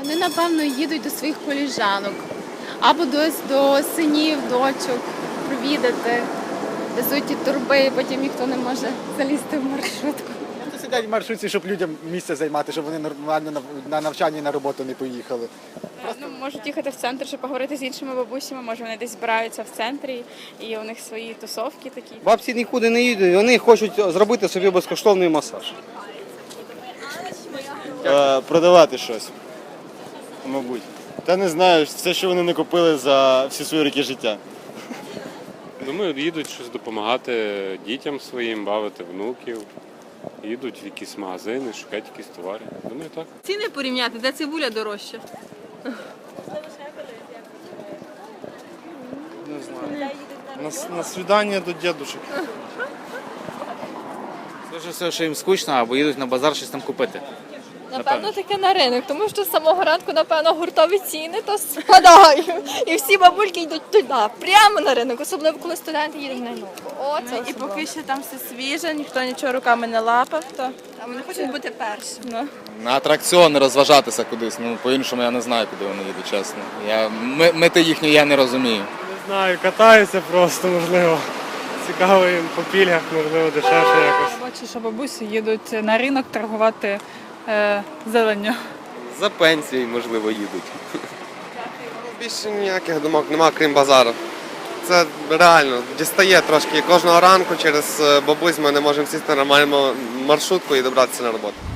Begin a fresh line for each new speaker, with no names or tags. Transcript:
Вони, напевно, їдуть до своїх коліжанок або до синів, дочок провідати, везуть ті торби, і потім ніхто не може залізти в маршрутку.
Просто сидять в маршрутці, щоб людям місце займати, щоб вони нормально на навчання і на роботу не поїхали.
Ну, можуть їхати в центр, щоб поговорити з іншими бабусями, може вони десь збираються в центрі і у них свої тусовки такі.
Бабці нікуди не їдуть, вони хочуть зробити собі безкоштовний масаж.
Продавати щось, мабуть. Та не знаю, все, що вони не купили за всі свої роки життя.
Думаю, їдуть щось допомагати дітям своїм, бавити внуків. Їдуть в якісь магазини, шукають якісь товари. Думаю, так.
Ціни порівняти, де цибуля дорожча.
Не знаю. На свидання до дідушек.
Скажу все, що їм скучно, або їдуть на базар щось там купити.
Напевно, таке на ринок, тому що з самого ранку, напевно, гуртові ціни то спадають. І всі бабульки йдуть туди, прямо на ринок, особливо коли студенти їдуть на науку.
І поки що там все свіже, ніхто нічого руками не лапав, то
А вони хочуть бути першими.
На атракціони розважатися кудись, по-іншому я не знаю, куди вони їдуть, чесно. Мети їхні я не розумію.
Не знаю, катаються просто, можливо. Цікаво їм по пільгах, можливо, дешевше якось.
Бачу, що бабусі їдуть на ринок торгувати зеленню.
За пенсією, можливо, їдуть.
Більше ніяких думок нема, крім базару. Це реально дістає трошки. Кожного ранку через бабусь ми не можемо сісти на нормальну маршрутку і добратися на роботу.